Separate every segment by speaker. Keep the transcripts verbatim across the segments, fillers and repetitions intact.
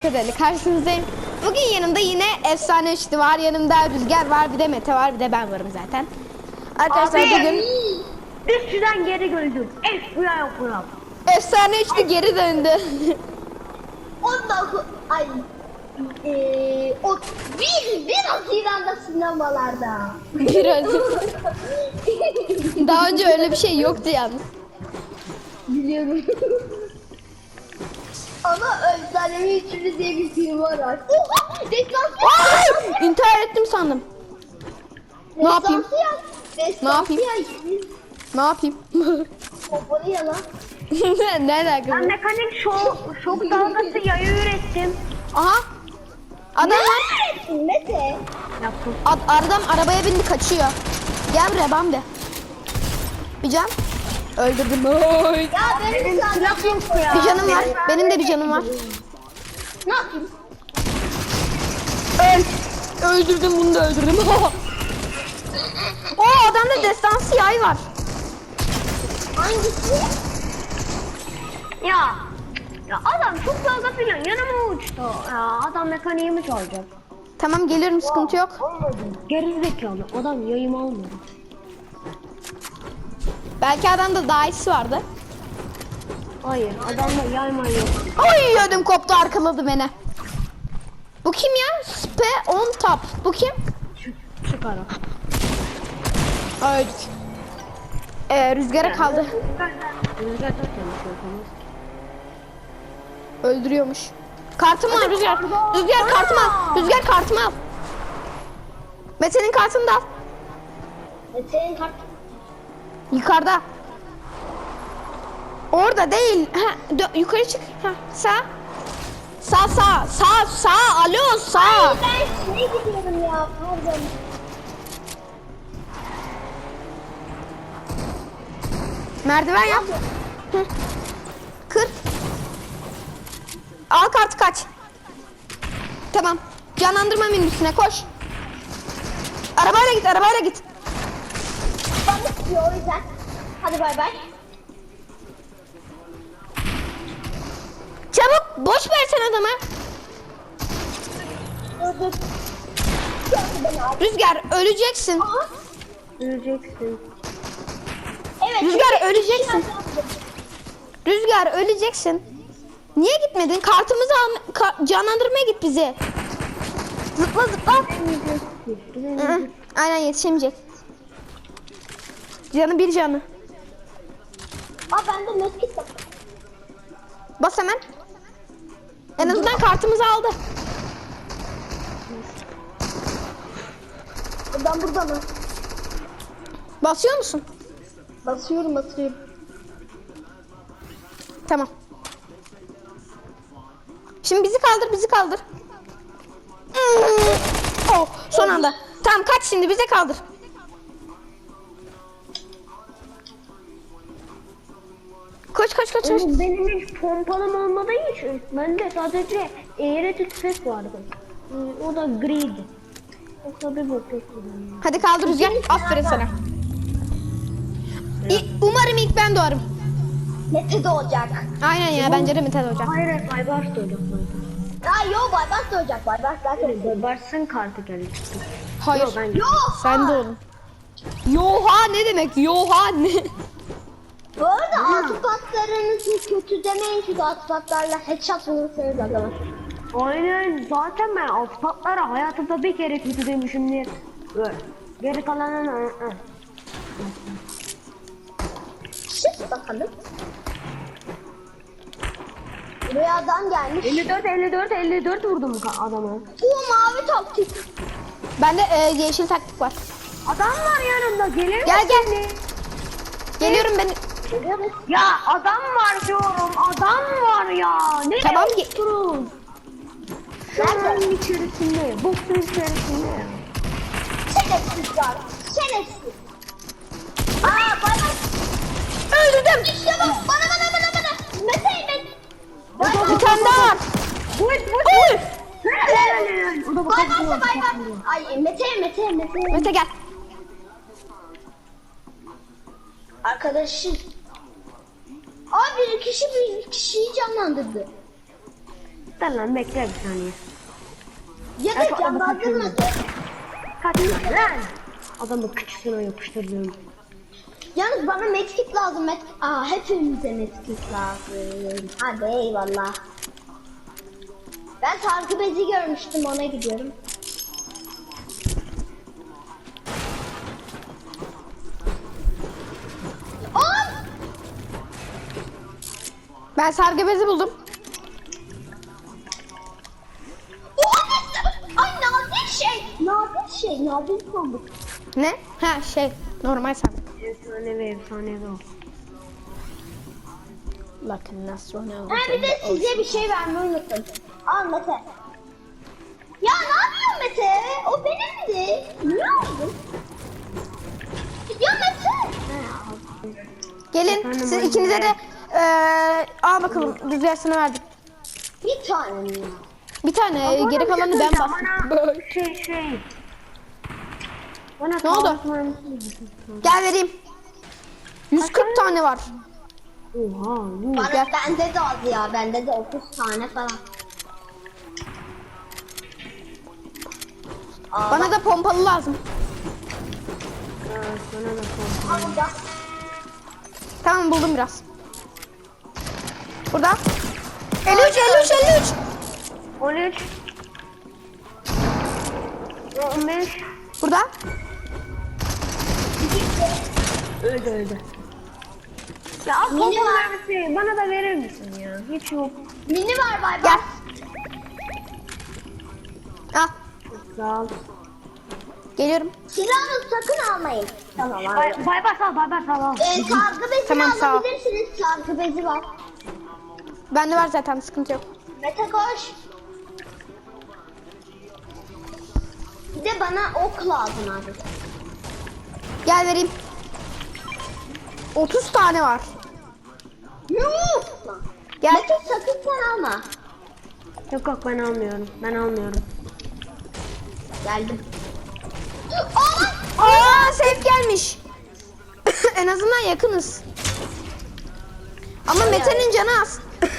Speaker 1: Kadarıyla karşınızdayım. Bugün yanımda yine efsane üçlü var. Yanımda Rüzgar var, bir de Mete var, bir de ben varım zaten. Arkadaşlar
Speaker 2: Abi,
Speaker 1: bugün
Speaker 2: üstüden geri döndüm. F B I okuram.
Speaker 1: efsane üçlü geri döndü.
Speaker 3: Ondan sonra ay eee o bir bir Haziran'da sinemalarda.
Speaker 1: Biraz. Daha önce öyle bir şey yoktu yalnız.
Speaker 3: Biliyorum. Ama Efsanevi Üçlü diye bir film var artık. Oha! Destansı
Speaker 1: Ay! İntihar ettim sandım. Ne yapayım? Ne yapayım? Ne yapayım?
Speaker 3: Pompalı ya lan.
Speaker 1: Ne alaka?
Speaker 2: Ben mekanik şok, şok dalgası yayı ürettim.
Speaker 1: Aha. Adam var.
Speaker 3: Mete.
Speaker 2: Yaptım.
Speaker 1: Ad, adam arabaya bindi, kaçıyor. Gel buraya Bambi. Bir can. Öldürdüm. Oy.
Speaker 3: Ya benim
Speaker 2: Silah
Speaker 3: sadece
Speaker 2: yok ya.
Speaker 1: Bir canım var. Benim de bir canım var.
Speaker 3: ne yapayım?
Speaker 1: Öl. Öldürdüm, bunu da öldürdüm. O adamda destansı yay var.
Speaker 3: Hangisi?
Speaker 2: Ya. Ya adam şok dalgasıyla yanıma uçtu. Ya adam mekaniğimi çalacak.
Speaker 1: Tamam geliyorum, sıkıntı yok.
Speaker 2: Geri zekalı. Adam yayımı almadı.
Speaker 1: Belki adamda daha iyisi vardı.
Speaker 2: Hayır adamda yayma yok.
Speaker 1: Ay ödüm koptu, arkaladı beni. Bu kim ya? Spe on top. Bu kim?
Speaker 2: Çık, çık ara.
Speaker 1: Öldük. Ee, rüzgara kaldı.
Speaker 2: Rüzgar da konuşuyorsunuz.
Speaker 1: Öldürüyormuş. Kartımı al Rüzgar. Rüzgar kartımı al. Rüzgar kartımı al. Mete'nin kartını da al.
Speaker 3: Mete'nin kart.
Speaker 1: Yukarıda. Orada değil. Ha, dö- yukarı çık. Ha, sağ. Sağ sağ. Sağ sağ. Alo sağ.
Speaker 3: Ben şeye gidiyorum ya. Pardon.
Speaker 1: Merdiven yap. Hı. Kır. Al kartı, kaç. Tamam. Canlandırma menüsüne koş. Arabayla git, arabayla git.
Speaker 3: Bana istiyor o yüzden. Hadi bay bay.
Speaker 1: Çabuk, boş versen adama.
Speaker 3: Dur dur. Gördü beni abi.
Speaker 1: Rüzgar öleceksin.
Speaker 3: Aha.
Speaker 2: Öleceksin.
Speaker 3: Evet.
Speaker 1: Rüzgar,
Speaker 3: çünkü-
Speaker 1: öleceksin. Rüzgar öleceksin. Niye gitmedin? Kartımızı al, ka- canlandırmaya git bize. Zıpla zıpla. Hı hı. Aynen, yetişemeyecek. Canı bir canı.
Speaker 3: Aa bende meskit var.
Speaker 1: Bas hemen. En azından kartımızı aldı.
Speaker 3: Ben burada mı?
Speaker 1: Basıyor musun?
Speaker 3: Basıyorum basıyorum.
Speaker 1: Tamam. Şimdi bizi kaldır, bizi kaldır. Hmm. Oh, son anda. Tamam, kaç şimdi, bize kaldır. Koş koş koş koş.
Speaker 2: Oğlum benim hiç pompalım olmadığı için bende sadece eğreti tüfek vardı. Ee, O da griydi. Yoksa bir bok yok.
Speaker 1: Hadi kaldır Rüzgar. Aferin sana. İ- Umarım ilk ben doğarım.
Speaker 3: Mete doğacak.
Speaker 1: Aynen ya, bence de Mete doğacak.
Speaker 2: Hayır hayır Baybars da olacak zaten.
Speaker 3: Aa yo Baybars doğacak. Baybars zaten.
Speaker 2: Baybars'ın kartı geldi çıktı.
Speaker 1: Hayır.
Speaker 2: Yok, ben-
Speaker 3: Yo.
Speaker 1: Sen de oğlum. Yoha ne demek? Yoha ne?
Speaker 3: Bu arada altı patlarınızı kötü demeyin çünkü altı patlarla headshot vurursanız adamı.
Speaker 2: Aynen zaten ben alt patlara hayatımda bir kere kötü demişimdir. Böyle. Geri kalanın ı, ı.
Speaker 3: Şık bakalım. Buraya adam gelmiş.
Speaker 2: elli dört elli dört elli dört vurdum ka- adama.
Speaker 3: Bu mavi taktik.
Speaker 1: Bende e, yeşil taktik var.
Speaker 2: Adam var yanımda gelir
Speaker 1: Gel
Speaker 2: misin?
Speaker 1: gel. Geliyorum ben.
Speaker 2: Ya adam var diyorum adam var ya. Ne
Speaker 1: Tamam, ge-
Speaker 2: yapıyorsun? Şunun içerisinde, boksun içerisinde ya.
Speaker 3: Şerefsiz var. Şerefsiz. Aa Baybars.
Speaker 1: Öldürdüm.
Speaker 3: İşte bu. Bana bana bana bana. Mete Mete.
Speaker 1: Bir tane daha var.
Speaker 2: Vur vur.
Speaker 1: Oy.
Speaker 2: O da
Speaker 3: Baybars'a
Speaker 2: bakalım.
Speaker 3: Baybars. Ay Mete Mete Mete.
Speaker 1: Mete gel.
Speaker 3: Arkadaşım. Aa bir kişi bir kişiyi canlandırdı.
Speaker 2: Dur lan bekle bir saniye.
Speaker 3: Ya da canlandırmadı.
Speaker 2: Kaç lan lan. Adamı kıçısına yapıştırıyorum.
Speaker 3: Yalnız bana medkit lazım. Med Aa, hepimize medkit lazım. Hadi eyvallah. Ben sargı bezi görmüştüm, ona gidiyorum. Aa!
Speaker 1: Ben sargı bezi buldum.
Speaker 3: Oha! Ay nadir şey. Nadir şey. Nadir sandık.
Speaker 1: Ne? Ha şey normal sandık.
Speaker 2: Efsanevi efsanevi o.
Speaker 1: Bakın nasıl ne
Speaker 3: Ha bir de size bir şey vermeyi unuttum. Al Mete. Ya ne yapıyorsun Mete? O benimdi. Niye aldın? Ya Mete.
Speaker 1: Gelin
Speaker 2: Efendim,
Speaker 1: siz
Speaker 2: anne.
Speaker 1: ikinize de eee al bakalım rüzgar sana verdim.
Speaker 3: Bir tane mi?
Speaker 1: Bir tane e, geri kalanı ben bastım.
Speaker 2: Bana şey şey. Bana
Speaker 1: Ne oldu? Gel vereyim. yüz kırk tane var.
Speaker 2: Oha. yuh.
Speaker 3: Bana,
Speaker 1: Gel.
Speaker 3: bende de az ya. Bende de otuz tane falan. Aa,
Speaker 1: Bana da pompalı lazım.
Speaker 2: Aa, sana da korkma.
Speaker 3: bak burada.
Speaker 1: Tamam buldum biraz. Burada. elli üç elli üç elli üç.
Speaker 2: on üç. on beş.
Speaker 1: Burada.
Speaker 2: Öldü öldü. Ya al
Speaker 3: Mini
Speaker 2: pompalı
Speaker 3: var.
Speaker 2: mermisi bana da verir misin ya? Hiç yok.
Speaker 3: Mini var bay bay.
Speaker 1: Gel. Al.
Speaker 2: Sağ ol.
Speaker 1: Geliyorum.
Speaker 3: Silahını sakın almayın. Tamam abi.
Speaker 2: Bay bay bay sağ ol, bay bay sağ ol.
Speaker 3: Ee, sargı bezini
Speaker 1: Tamam, sağ ol.
Speaker 3: alabilirsiniz. Sargı bezi var.
Speaker 1: Bende var zaten sıkıntı yok.
Speaker 3: Mete koş. Bir de bana ok lazım abi.
Speaker 1: Gel vereyim. otuz tane var.
Speaker 3: Yuh!
Speaker 1: Gel.
Speaker 3: Mete sakın sen alma.
Speaker 2: Yok yok ben almıyorum. Ben almıyorum.
Speaker 3: Geldim. Aa!
Speaker 1: Aa safe gelmiş. En azından yakınız. Ama Mete'nin canı az.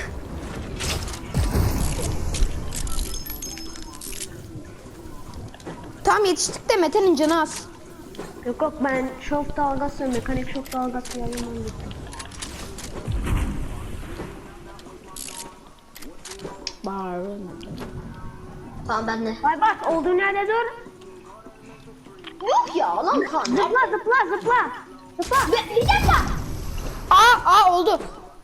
Speaker 1: Tam yetiştik de Mete'nin canı az.
Speaker 2: Yok yok ben şok dalgası, mekanik şok dalgası yayınlan gittim.
Speaker 3: Tamam ben de.
Speaker 2: Bay bay olduğun yerde dur.
Speaker 3: Yok ya lan kan.
Speaker 2: Zıpla zıpla zıpla. Zıpla.
Speaker 3: Bir, bir dakika.
Speaker 1: Aa, aa oldu.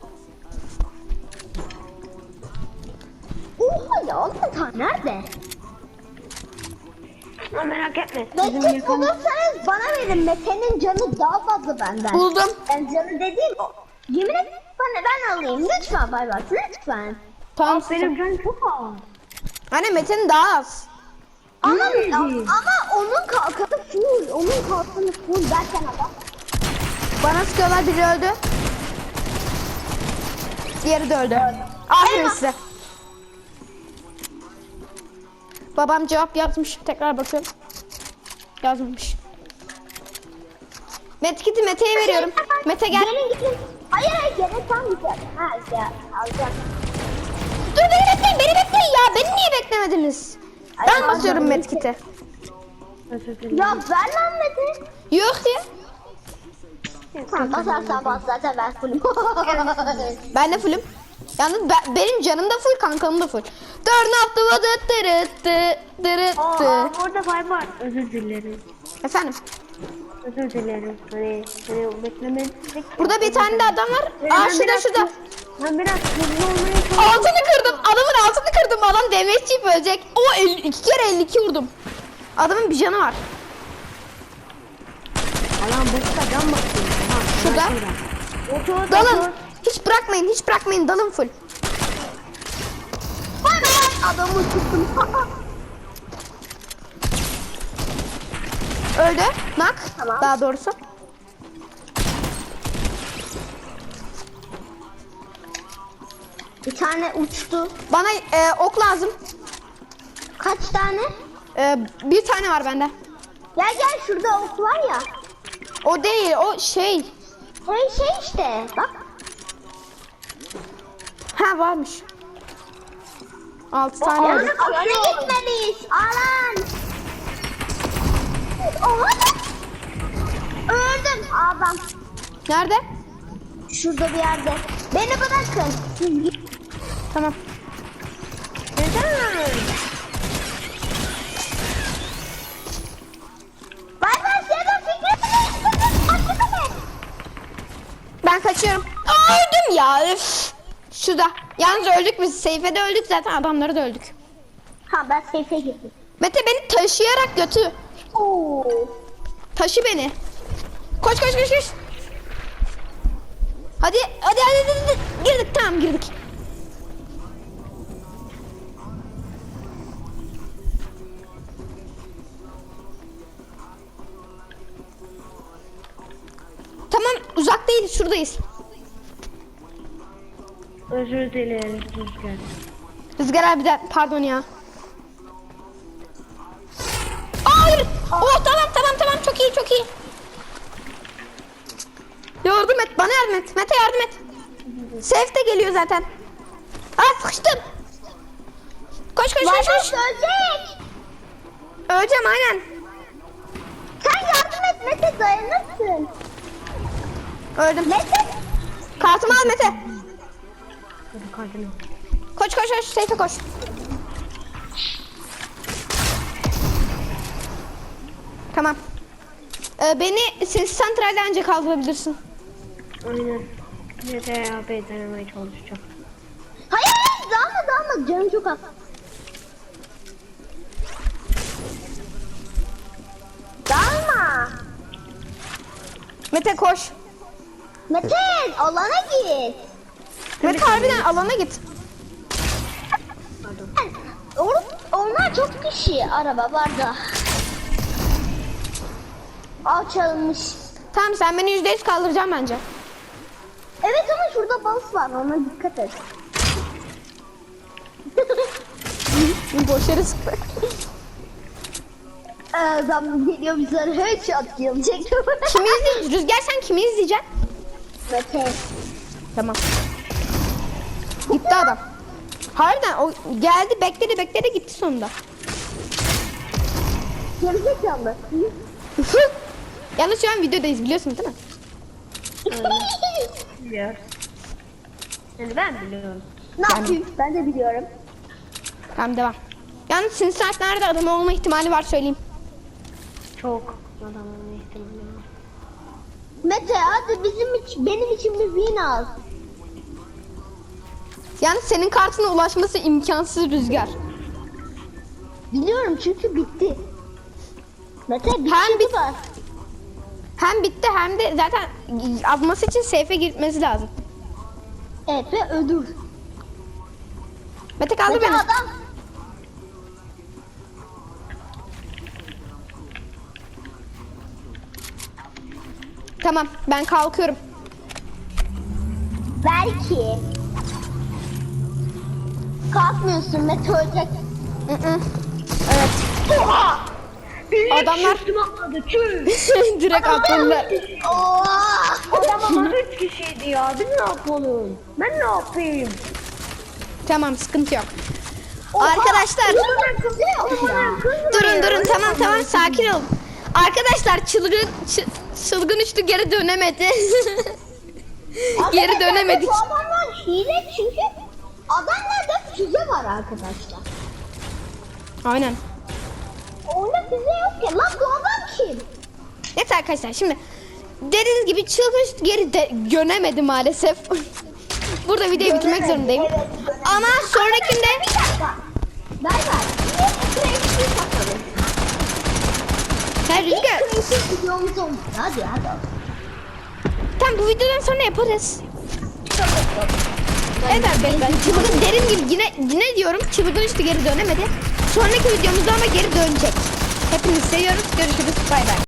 Speaker 3: Oha ya lan kan nerede?
Speaker 2: Ama merak etme. Bizim
Speaker 3: Mete
Speaker 2: yakın...
Speaker 3: bulursanız bana verin. Mete'nin canı daha fazla benden.
Speaker 1: Buldum.
Speaker 3: Ben canı dediğim o. Yemin et bana ben alayım. Lütfen bay bay. Lütfen.
Speaker 1: Tamam.
Speaker 2: Benim canım çok ağır.
Speaker 1: Hani Mete'nin daha az.
Speaker 3: Ama,
Speaker 2: Hmm.
Speaker 3: ama onun kalkanı full. Onun kalkanı full derken adam.
Speaker 1: Bana sıkıyorlar, biri öldü. Diğeri de öldü. Aferin
Speaker 3: Eyvah.
Speaker 1: size. Babam cevap yazmış. Tekrar bakıyorum. Yazmamış. Medkit'i Mete'ye veriyorum. Mete gel.
Speaker 3: Gelin gidin. Hayır hayır gene tam güzel. Ha ya alacağım.
Speaker 1: Dur beni bekleyin, beni bekleyin ya. Beni niye beklemediniz? Ben
Speaker 3: Ay,
Speaker 1: basıyorum
Speaker 3: pardon.
Speaker 1: medkit'i.
Speaker 2: Özür dilerim.
Speaker 3: Ya ver lan Mete.
Speaker 1: Yok diye.
Speaker 3: Tamam basarsan bas zaten ben fullüm.
Speaker 1: Ben de fullüm. Yalnız ben- benim canım da full, kankam da full. Turn up the water, tırıttı, tırıttı.
Speaker 2: Aa, orada bay bay. Özür dilerim.
Speaker 1: Efendim,
Speaker 2: Özür dilerim. Hani hani beklemedik.
Speaker 1: burada bir tane de adam var.
Speaker 2: Ben
Speaker 1: Aa şurada
Speaker 2: biraz-
Speaker 1: şurada.
Speaker 2: Ben biraz hızlı olmaya çalışıyorum.
Speaker 1: Altını kırdım. Adamın altını kırdım. Adam demeç yiyip ölecek. O elli, iki kere elli iki vurdum. Adamın bir canı var.
Speaker 2: Alan boşta can bakıyor. Ha,
Speaker 1: Şurada.
Speaker 2: Otur,
Speaker 1: Dalın.
Speaker 2: otur.
Speaker 1: Hiç bırakmayın. Hiç bırakmayın. Dalın full.
Speaker 3: Bay bay. Adamı tuttum.
Speaker 1: Öldü. Nak.
Speaker 3: Tamam.
Speaker 1: Daha doğrusu.
Speaker 3: Bir tane uçtu.
Speaker 1: Bana e, ok lazım.
Speaker 3: Kaç tane?
Speaker 1: E, bir tane var bende.
Speaker 3: Gel gel şurada ok var ya.
Speaker 1: O değil. O şey.
Speaker 3: Hey şey işte bak.
Speaker 1: Ha varmış. altı tane
Speaker 3: Alan
Speaker 1: öldü.
Speaker 3: alana gitmeliyiz. Alan. Oha. Öldüm adam.
Speaker 1: Nerede?
Speaker 3: Şurada bir yerde. Beni bırakın.
Speaker 1: Tamam.
Speaker 3: Neden? Bay bay Sedat Fikri.
Speaker 1: Ben kaçıyorum. Aa, öldüm ya. Üf. Şurada. Yalnız öldük biz. Seyfe'de öldük zaten. Adamları da öldük.
Speaker 3: Ha ben seyfe gittim.
Speaker 1: Mete beni taşıyarak götür.
Speaker 3: Oo.
Speaker 1: Taşı beni. Koş koş koş koş. Hadi hadi hadi, hadi, hadi. Girdik tamam girdik. Tamam uzak değiliz şuradayız.
Speaker 2: Özür dilerim Rüzgar.
Speaker 1: Rüzgar abi de pardon ya. Aa, hayır. Oh tamam tamam tamam çok iyi çok iyi. Yardım et bana yardım et. Mete yardım et. Seyf de geliyor zaten. Aa sıkıştım. Koş koş koş
Speaker 3: Bay bay
Speaker 1: koş.
Speaker 3: ölecek.
Speaker 1: Öleceğim aynen.
Speaker 3: Sen yardım et Mete dayanırsın.
Speaker 1: Öldüm.
Speaker 3: Mete.
Speaker 1: Kartımı al Mete.
Speaker 2: Hadi kartını.
Speaker 1: Koş koş koş Seyfe koş. Tamam. Ee, beni ses santralde ancak kaldırabilirsin.
Speaker 2: Aynen. Mete abi denemeye çalışacağım.
Speaker 3: Hayır hayır dalma dalma canım çok az. Dalma.
Speaker 1: Mete koş.
Speaker 3: Mete alana git.
Speaker 1: Mete harbiden alana git.
Speaker 3: Or onlar çok kişi araba var da. Al çalınmış.
Speaker 1: Tamam sen beni yüzde yüz kaldıracaksın bence.
Speaker 3: Evet ama şurada bas var ona dikkat et.
Speaker 1: Boş yere sıktı.
Speaker 3: Adam geliyor bize headshot gelecek.
Speaker 1: Kimi izleyeceksin? Rüzgar sen kimi izleyeceksin?
Speaker 3: Mete.
Speaker 1: Tamam. Gitti adam. Harbiden o geldi bekledi bekledi gitti sonunda.
Speaker 3: Gerizekalı.
Speaker 1: Yalnız şu an videodayız biliyorsun değil mi?
Speaker 2: Biliyor. Yani ben biliyorum.
Speaker 3: Ne yapayım? Ben de biliyorum.
Speaker 1: Tamam devam. Yalnız Sinsart nerede adam olma ihtimali var söyleyeyim.
Speaker 2: Çok adamın ihtimali var.
Speaker 3: Mete hadi bizim için, benim için bir win al.
Speaker 1: Yalnız senin kartına ulaşması imkansız Rüzgar.
Speaker 3: Biliyorum çünkü bitti. Mete bir
Speaker 1: Hem
Speaker 3: şey
Speaker 1: bit-
Speaker 3: var.
Speaker 1: Hem bitti hem de zaten atması için safe'e gitmesi lazım.
Speaker 3: Evet ve ödül.
Speaker 1: Mete kaldır
Speaker 3: Mete
Speaker 1: beni.
Speaker 3: adam.
Speaker 1: Tamam ben kalkıyorum.
Speaker 3: Belki. Kalkmıyorsun Mete ölecek.
Speaker 1: Hı hı. Evet.
Speaker 3: Oha!
Speaker 1: Adamlar
Speaker 2: Üstüme atladı çöl.
Speaker 1: direkt atladılar.
Speaker 3: Oha!
Speaker 2: Adam ama üç kişiydi ya. Biz ne yapalım? Ben ne yapayım?
Speaker 1: Tamam sıkıntı yok. Arkadaşlar durun durun tamam tamam sakin olun. Arkadaşlar çılgın çı- çılgın üçlü geri dönemedi. Geri dönemedik.
Speaker 3: Bu adamlar hile çünkü adamlarda füze var arkadaşlar.
Speaker 1: Aynen.
Speaker 3: Oyunda füze yok ki. Lan bu adam kim?
Speaker 1: Evet arkadaşlar şimdi dediğiniz gibi çılgın üçlü geri de dönemedi maalesef. Burada videoyu bitirmek zorundayım.
Speaker 3: Evet,
Speaker 1: Ama sonrakinde
Speaker 3: Bir dakika. Ver ver. Bir kreatif takalım.
Speaker 1: her
Speaker 3: Bir
Speaker 1: Rüzgar
Speaker 3: kreatif videomuz oldu. Hadi hadi.
Speaker 1: tam bu videodan sonra yaparız. Evet arkadaşlar çılgın derin gibi yine yine diyorum çılgın üçlü geri dönemedi. Sonraki videomuzda ama geri dönecek. Hepinizi seviyoruz. Görüşürüz. Bay bay.